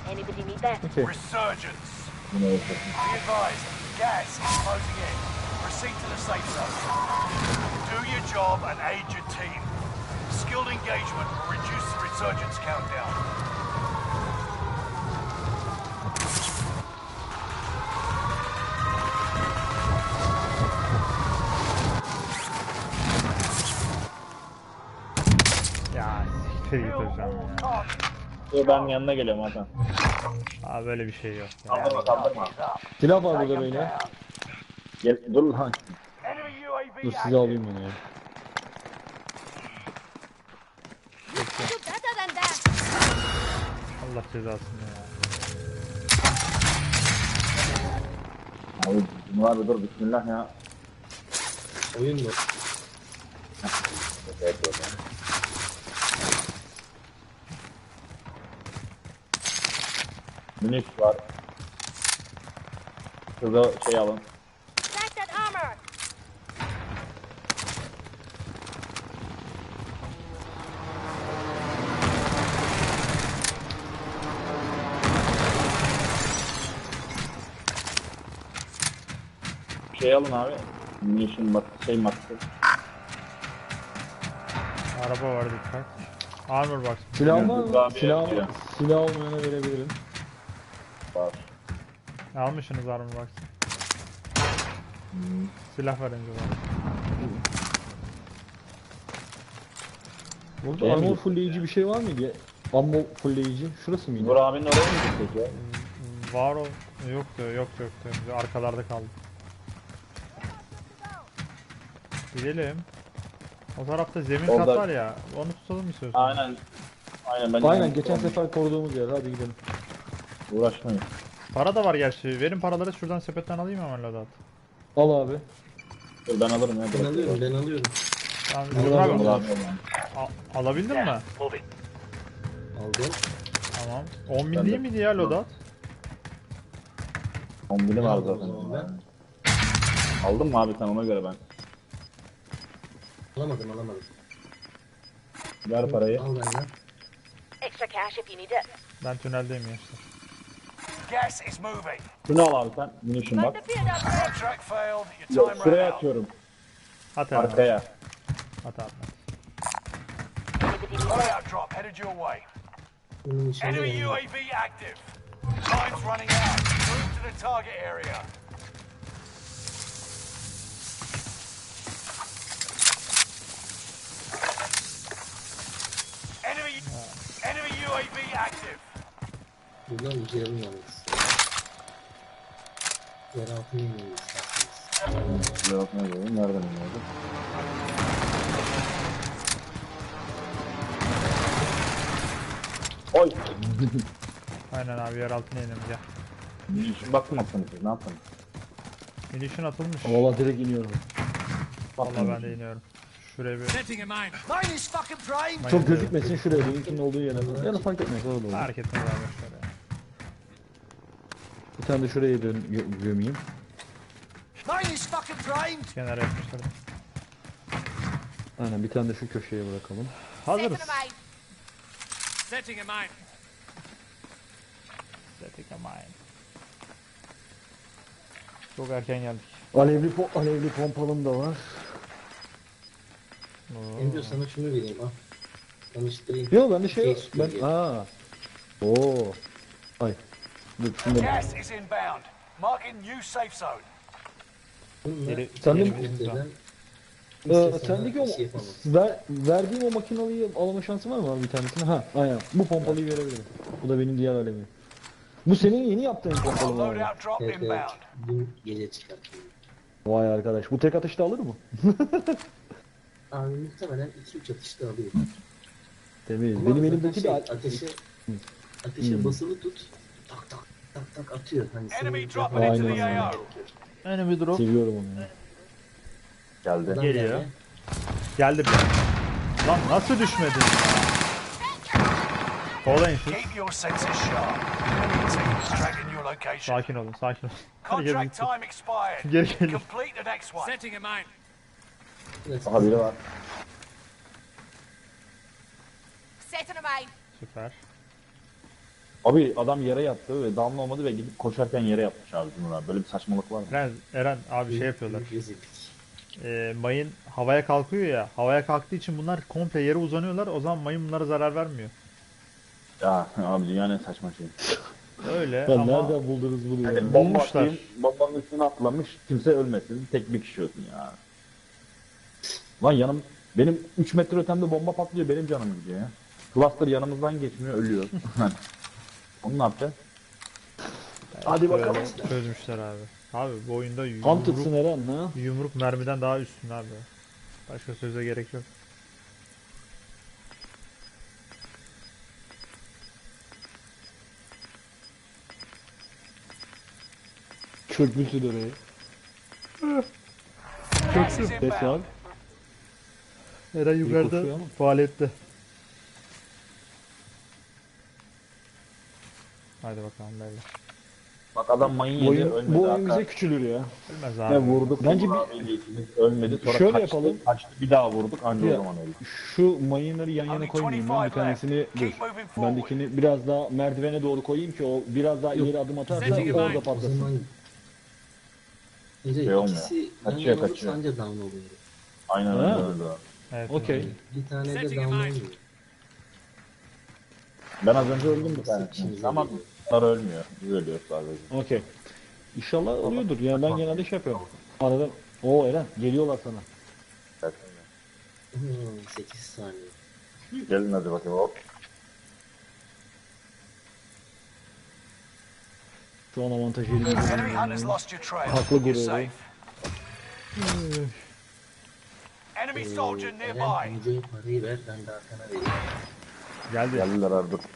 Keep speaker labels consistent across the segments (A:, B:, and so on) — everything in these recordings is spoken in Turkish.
A: Anybody need that?
B: Okay.
C: Resurgence. Be advised, gas is closing in. Proceed to the safe zone. Do your job and aid your team. Skilled engagement will reduce the resurgence countdown.
B: Ya siktir git hocam ya.
D: Ben yanına geliyorum Hakan.
B: Abi böyle bir şey yok ya.
D: Kaldırma.
E: Silah var burada beyler.
D: Gel, dur lan.
C: Enemy UAV
E: Dur size
C: active.
E: alayım bunu ya.
A: You're better than that.
B: Allah cezasını ya.
D: Abi bunlar bir dur bismillah ya.
F: Oyun mu?
D: Minik var. Şurada şey alın.
A: Stack that armor.
D: Şey alın abi. Munition bak şey maskı.
B: Araba var dikkat. Armor box.
E: Silah var
D: Daha
E: mı?
D: bir
E: Silah,
D: yapıyor.
E: silah olmayana verebilirim.
D: Var.
B: Almışsınız armor box. Silah var önce bana.
E: Burada
D: Şey mi
E: armor
D: gitti
E: fullleyici bir şey var mıydı ya? Ammo fullleyici. Şurası mıydı?
D: Nur abinin oraya mı gittik ya?
B: Var o. Yoktu. Arkalarda kaldı. Gidelim. O tarafta zemin
D: Orada-
B: kat var ya. Onu tutalım istiyorsan.
D: Aynen. Aynen ben
E: Aynen geçen sefer koruduğumuz yer. Hadi gidelim.
D: uğraşmayın.
B: Para da var gerçi. Verin paraları şuradan sepetten alayım hemen loadout.
E: Al abi.
D: Dur ben alırım ya.
F: Ben alıyorum, ben alıyorum.
B: Tamam,
E: Al,
B: Nur abi,
E: al,
D: Nur abi alayım.
B: alabildin mi?
C: Moving.
F: Aldım.
B: Tamam. 10.000
D: Ben
B: değil
D: de-
B: miydi ya loadout?
D: 10 bilim var
F: Aldım
D: zaten.
F: o zaman
D: Aldın mı abi sen ona göre ben.
F: Alamadım.
D: Ver parayı.
F: Al benden.
A: Extra cash if you need it.
B: Ben tüneldeyim gençler.
C: Gas is moving.
D: Şunu al abi sen. Munition
A: Got
D: bak.
A: the beard up there.
C: Contract failed. Your
D: Yok
C: time
D: şuraya
C: ran out.
D: atıyorum.
B: At hemen.
D: Arkaya.
B: At.
A: Anybody need that?
C: Loadout drop headed your way.
F: Bunun içinde
C: Enemy
F: benim.
C: UAV active. Time's running out. Move to the target area. Enemy UAV active.
F: Buradan girelim yalnız. Yer altına inelim isterseniz.
D: Cevap ne diyorum? Nereden iniyordu? Oy!
B: Aynen abi yer altına inelim gel.
D: Munition baktım atsanız siz ne yaptınız?
B: Munition atılmış.
E: Valla direkt iniyorum.
B: Vallahi ben de iniyorum. Şuraya bir...
C: Mine is fucking primed.
E: Çok gözükmesin şuraya. Benimkinin olduğu yere. Ya da fark etmez. Orada olur.
B: Fark etmez abi şöyle.
E: Bir tane de şuraya gömeyim.
C: Mine is fucking primed.
B: Kenara yapmışlar.
E: Aynen bir tane de şu köşeye bırakalım.
B: Hazırız.
A: Setting a mine.
C: Setting a mine.
B: Setting a mine. Çok erken geldik.
E: Alevli pompalım da var.
F: Emre sana şunu vereyim al. Tanıştırayım.
E: Yok bende şey yok.
F: Şey,
E: Ben aa. Oo. Ay. Dur şunu da.
C: Gas is inbound. Marking new safe zone.
F: Bununla
E: Sen de-
F: önceden
E: Sendeki o
F: bir şey yapamam.
E: verdiğim o makinalıyı alma şansı var mı abi bir tanesini? Ha, aynen. Bu pompalıyı verebilirim. Bu da benim diğer alevim. Bu senin yeni yaptığın pompalı mı abi?
C: Loadout drop
F: Evet, evet.
C: inbound.
F: Dün gece çıkarttım.
E: Vay arkadaş. Bu tek atışta alır mı?
F: Abi muhtemelen 2-3 atışta alıyor.
E: Temiz.
F: Ama
E: Benim
F: zaten
E: elimdeki
F: şey,
E: de
F: ateşe basılı tut. Tak tak tak tak atıyor. Hani
C: Enemy
F: senin
C: dropping
E: into
C: the
F: yapman
C: AO.
F: gerekiyor.
B: Enemy drop.
E: seviyorum onu ya.
D: Geldi.
F: Adam
B: Geliyor.
F: yani
B: Geldi bir. Lan nasıl düşmedin ya? Kovalayın siz.
C: Keep your senses sharp. Enemy team is tracking your location.
B: Sakin olun. Herkes
C: Contract
B: gitsin.
C: time expired.
B: Geri gelir.
C: Complete the next one. Setting a mine.
F: biraz
D: Aha biri var.
A: Setting a mine.
B: Süper.
D: Abi adam yere yattı ve down olmadı ve gidip koşarken yere yatmış abi bunlar. Böyle bir saçmalık var mı?
B: Eren abi şey yapıyorlar.
F: Rezillik.
B: Mayın havaya kalkıyor ya. Havaya kalktığı için bunlar komple yere uzanıyorlar. O zaman mayın bunlara zarar vermiyor.
D: Ya abi dünyanın en saçma şeyi.
B: Öyle
E: Ya
B: ama
E: nereden buldunuz bunu ya?
D: Yani bomba
B: bulmuşlar.
D: atayım, bombanın üstüne atlamış, kimse ölmesin, tek bir kişi ölsün ya. Lan benim 3 metre ötemde bomba patlıyor, benim canım gidiyor ya. Cluster yanımızdan geçmiyor, ölüyor. Onu ne yapacağız? Hadi bakalım.
B: böyle çözmüşler abi. Abi bu oyunda
E: Hunter'sın Eren ha?
B: yumruk mermiden daha üstün abi. Başka söze gerek yok.
E: Çökmüşsün oraya.
C: Gas is
E: Ses var.
C: inbound.
B: Eren yukarıda
E: koşuyor ama.
B: faaliyette. Hadi bakalım böyle.
D: Bak adam mayın
E: Bu
D: yedi,
E: oyun,
D: ölmedi.
E: bu oyun bize
D: Hatta
E: küçülür ya.
B: Bilmez
D: ne
B: abi.
D: vurduk,
E: Bence
D: ölmedi. Sonra
E: Şöyle
D: kaçtı,
E: yapalım.
D: kaçtı, bir daha vurduk, anca
E: Ya.
D: o zaman öldü.
E: Şu mayınları yan yana
C: Only
E: koymayayım ben.
C: 25
E: Bir tanesini
C: left.
E: dur.
C: Keep moving forward.
E: Bendekini biraz daha merdivene doğru koyayım ki o biraz daha ileri adım atarsa
A: Setting
E: orada
A: mine.
F: O
E: patlasın.
F: zaman
D: Şey olmuyor.
F: ikisi yan
D: Kaçıyor,
F: yana olursa
D: kaçıyor.
F: anca down oluyor.
D: Aynen
E: Ha.
D: öyle öldü abi.
B: Evet.
E: Okey.
F: Bir tane de
A: Setting
F: down
A: mine.
F: olmuyor.
D: Ben az önce öldüm bir
F: İşimize
D: tanesini. Ama
F: geliyor.
D: bunlar ölmüyor. Biz ölüyoruz sadece.
E: Okey. İnşallah oluyordur. Yani ben genelde şey yapıyorum. Arada o Eren geliyorlar sana.
F: 8 saniye.
D: Gelin hadi bakayım hop.
E: Şu an avantajı
C: Enemy
E: elimizde.
C: hunters lost your trail.
E: Haklı
C: You're
E: gururu.
C: safe. Enemy soldier
F: Eren
C: nearby.
F: önce parayı ver ben de arkana vereyim.
B: Geldi.
D: Geldiler abi dur.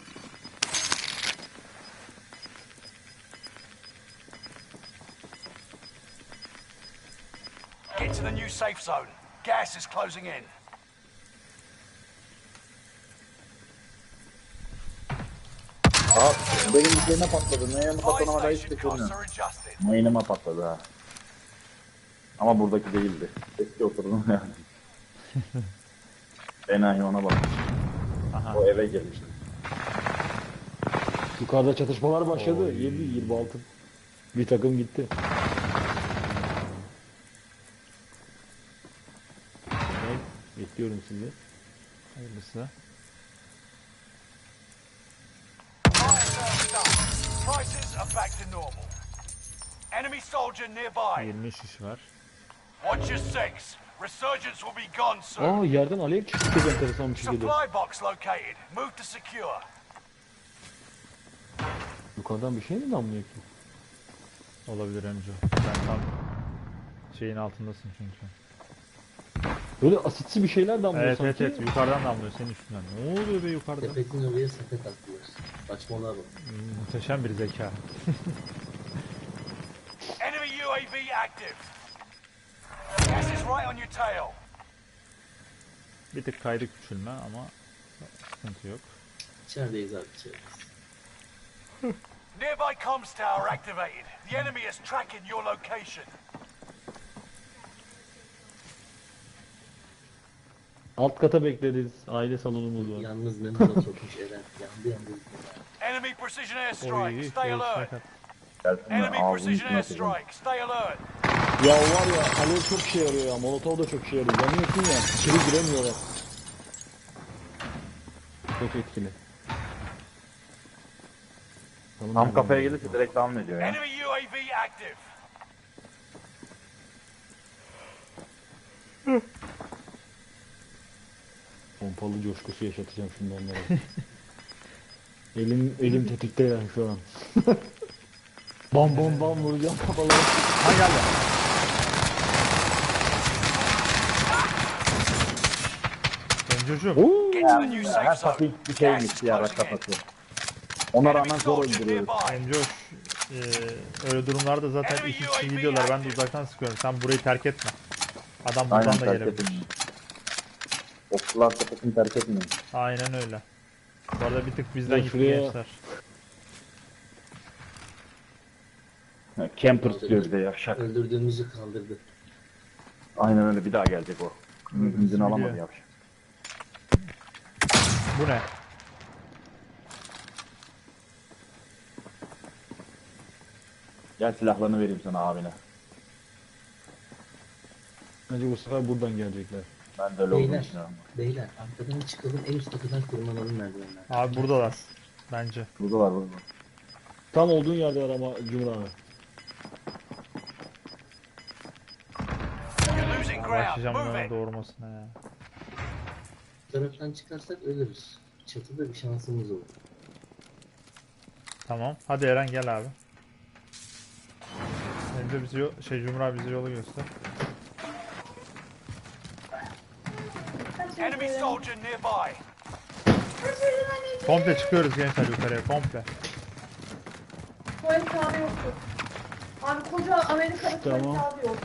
C: Get to the new safe zone. Gas is closing in.
D: Aa, benim üzerine patladı. Neye
C: Buy
D: patlamama da hiç
C: station
D: bekliyorum.
C: costs are adjusted.
D: Mayınıma patladı ha. Ama buradaki değildi. Eski oturdum yani. Enayi ona bak.
B: Aha.
D: O eve gelmişti.
E: Yukarıda çatışmalar başladı. 7-26. Bir takım gitti. Evet, bekliyorum sizi.
B: Hayırlısı.
C: Prices are back to normal. Enemy soldier nearby.
B: 20 şiş var.
C: Watch your six. Resurgence will be gone soon.
E: Aa yerden alev çıktı, çok enteresan bir şekilde.
C: Supply box located. Move to secure.
E: Yukarıdan bir şey mi damlıyor ki?
B: Olabilir Emco. Sen tam şeyin altındasın çünkü.
E: Böyle asitsi bir şeyler damlıyor
B: Evet
E: sanki.
B: evet evet yukarıdan damlıyor senin üstünden. Ne oluyor be yukarıda?
F: Sepetin oraya sepet attılar. Saçmalığa bak.
B: Muhteşem bir zeka.
C: Enemy UAV active. Gas is right on your tail.
B: Bir tık kaydı küçülme ama sıkıntı yok.
F: İçerideyiz abi içerideyiz.
C: Nearby comms tower activated. The enemy is tracking your location.
E: Alt kata bekleriz. Aile salonumuz var.
F: Yalnız Memo da sokmuş Eren. Yandı.
C: Enemy precision
B: Oy,
C: airstrike. Stay
B: göğüs
C: alert.
B: sakat.
D: Gelsinler
C: Enemy
D: ağzını
C: precision
D: içine atacağım.
C: airstrike. Stay alert.
E: Ya var ya alev çok işe yarıyor ya. Molotov da çok işe yarıyor. Yanıyorsun ya. İçeri giremiyorlar. Çok etkili.
D: Tam kafaya gelirse direkt down ediyor ya.
C: Enemy UAV active.
E: Pompalı coşkusu yaşatacağım şimdi onlara. elim tetikte yani şu an. Bam bam bam vuracağım kafalara.
B: Ha geldi. Emcocuğum.
C: Get to the new safe
D: Her
C: zone.
D: taktik bir
C: Gas
D: şeymiş
C: is
D: ya
C: closing in.
D: kafası. Ona
C: Enemy
D: rağmen zor
C: soldier
D: öldürüyoruz.
C: nearby.
B: Emcoş. Öyle durumlarda zaten iki kişi gidiyorlar. Ben de uzaktan sıkıyorum. Sen burayı terk etme. Adam buradan
D: Aynen
B: da
D: terk
B: gelebilir.
D: etmiyor. Okçular sepetini terk etmiyor.
B: Aynen öyle. Bu arada bir tık bizden
E: Ya
B: gitti
E: şuraya-
B: gençler.
D: Campers diyor bir de yavşak.
F: Öldürdüğümüzü kaldırdı.
D: Aynen öyle bir daha gelecek o. İzin alamadı
B: biliyor.
D: yavşak.
B: Bu ne?
D: Gel silahlarını vereyim sana abine.
E: Bence bu sefer buradan gelecekler.
D: Ben de öyle olduğunu
F: Beyler,
D: düşünüyorum.
F: beyler arkadan çıkalım en üst kapıdan tırmanalım merdivenler.
B: Abi buradalar. Bence.
D: Burada var burada.
E: Tam olduğun yerde var ama Cumhur abi.
C: You're losing ground.
B: Başlayacağım
C: Move
B: bunların
C: it.
B: doğurmasına ya.
F: Bu taraftan çıkarsak ölürüz. Çatıda bir şansımız olur.
B: Tamam. Hadi Eren gel abi. Önce bizi Cumhur abi bize yolu göster.
C: Enemy soldier nearby.
B: Komple çıkıyoruz gençler yukarıya komple.
G: Tuvalet kağıdı yoktu. Abi koca Amerika'da tuvalet
E: Tamam.
G: kağıdı yok.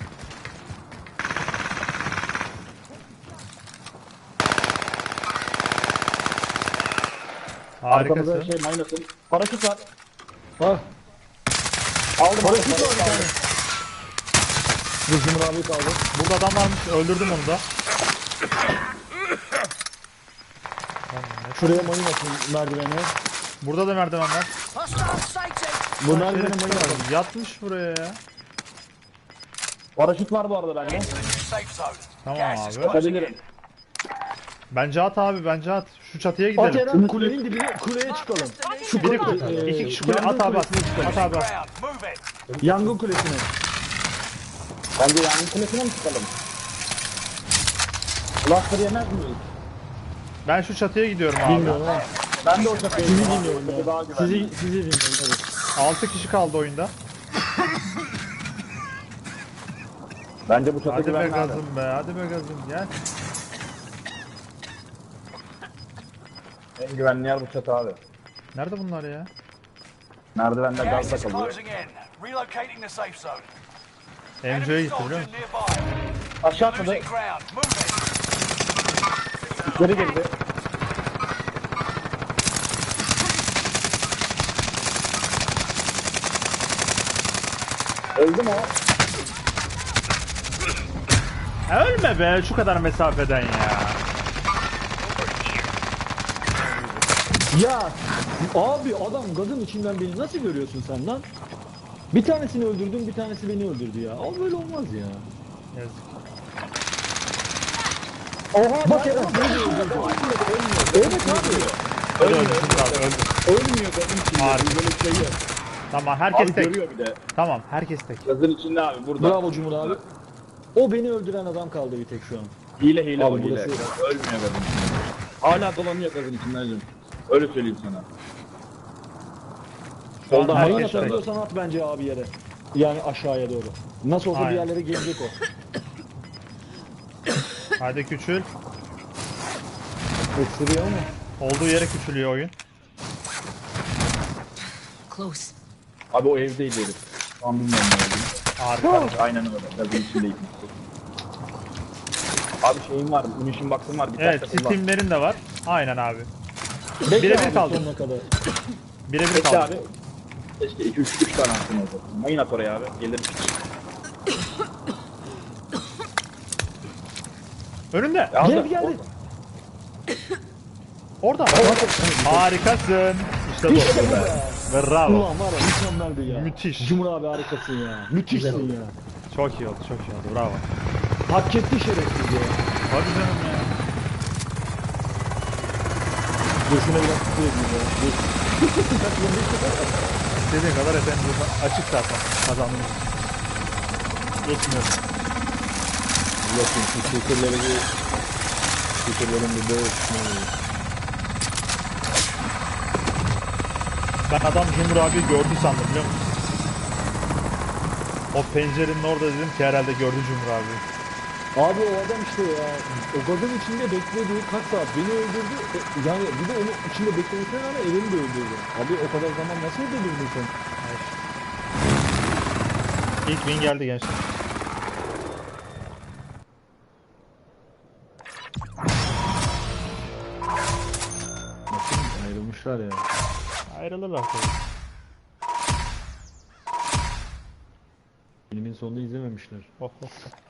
D: Arkamızda
B: Harikasın.
D: şey maynasın. Paraşüt var.
E: Ha.
D: Aldım.
E: Paraşüt var bir tane. Bu Cumhur abi kaldı.
B: Burada adam varmış. Öldürdüm onu da.
E: Şuraya mayın atın merdivene.
B: Burada da merdiven var.
E: Bu merdivene
B: Şerefsiz
E: mayın atın.
B: adam. Yatmış buraya ya.
D: Paraşüt var bu arada bende.
C: Into the new safe zone.
B: Tamam
C: Gas is
B: abi.
C: closing
D: Atabilirim.
C: in.
B: Bence at abi bence at. Şu çatıya
E: At
B: gidelim.
E: Eren kulenin dibine kuleye çıkalım. Şu
B: Biri
E: kule,
B: kule, iki kişi kule
E: yangın
B: at abi at.
E: kulesine çıkalım.
B: At abi at.
C: Ground. Move it.
E: Yangın kulesine.
D: Bence yangın kulesine mi çıkalım? Cluster yemez miyiz?
B: Ben şu çatıya gidiyorum abi.
E: Bilmiyorum ama.
D: Ben de o çatıya
E: Sizi
D: gidiyorum.
E: dinliyorum ya.
D: Daha güvenli.
E: Sizi dinliyorum evet.
B: 6 kişi kaldı oyunda.
D: Bence bu çatı
B: Hadi be
D: güvenli abi.
B: gazım be. Hadi be gazım gel.
D: En güvenli yer bu çatı abi.
B: Nerede bunlar ya?
D: Merdivenler
C: Gas
D: gazda
C: is
D: kalıyor.
C: closing in. Relocating the safe zone.
B: MC'ye
C: Enemy
B: gitti biliyor
C: soldier
B: musun?
C: nearby.
D: Aşağı atladı.
C: Losing ground. Move it.
D: Geri girdi. Öldü mü o?
B: Ölme be şu kadar mesafeden ya.
E: Ya abi adam gazın içinden beni nasıl görüyorsun sen lan? Bir tanesini öldürdüm, bir tanesi beni öldürdü ya. Ama böyle olmaz ya.
B: Yazık.
E: Oha bak Eren beni de öldürdü. Evet abi.
B: Öldü öldü Cumhur abi öldü.
D: Ölmüyor gazın içinde.
B: Harika.
D: Böyle bir şey yok.
B: Tamam herkes
D: Abi
B: tek.
D: görüyor bir de.
B: Tamam herkes tek.
D: Gazın içinde abi burada.
E: Bravo Cumhur abi. O beni öldüren adam kaldı bir tek şu an.
D: Hile
E: Abi
D: o hile.
E: burası-
D: Ölmüyor gazın içinde. Hala dolanıyor gazın içinde hacım. Öyle söyleyeyim sana.
B: Şu an
D: Solda
E: Mayın
B: herkes tek.
E: atabiliyorsan at bence abi yere. Yani aşağıya doğru. Nasıl olsa bir
B: Aynen.
E: yerlere gelecek o.
B: Hadi küçül.
E: Öksürüyor ama.
B: Olduğu yere küçülüyor oyun.
A: Close.
D: Abi o evdeydi herif. Şu an bilmiyorum ne olduğunu.
B: Harika.
D: Aynen öyle. Gazın içindeydi. Abi şeyim var. Munition box'ım var. Bir
B: Evet
D: tane kullan.
B: Steam'lerin de var. Aynen abi.
E: Bekle
B: Birebir
E: abi
B: kaldı.
E: sonuna kadar.
B: Birebir
D: Peki
B: kaldı.
D: abi. Keşke 2-3 tane attın orada. Mayın at oraya abi. Gelir.
B: Önünde.
D: Ya
E: Geldi geldi.
B: Orada. Harikasın. İşte bu. Bravo.
E: Ulan var ya mükemmeldi ya.
B: Müthiş.
E: Cumhur abi harikasın ya. Müthişsin ya.
B: Çok iyi oldu çok iyi oldu. Bravo.
E: Hak etti şerefsiz ya.
B: Hadi canım ya.
E: Dur şuna biraz tutuyor ya. Dur.
B: İstediğin kadar efendim burada açık zaten kazandığımız. Geçmiyorum.
E: Bakın şu şekerleri bir... Şekerlerin bir böyle
B: Ben adam Cumhur abi gördü sandım biliyor musun? O pencerenin orada dedim ki herhalde gördü Cumhur abi.
E: Abi o adam işte ya. O gazın içinde bekledi kaç saat beni öldürdü. Yani bir de onun içinde beklemesine rağmen Eren'i de öldürdü. Abi o kadar zaman nasıl öldürdün sen?
B: İlk win geldi gençler.
E: Ayrılmışlar ya.
B: Ayrılırlar tabii.
E: Filmin sonunu izlememişler.
B: Oh, oh.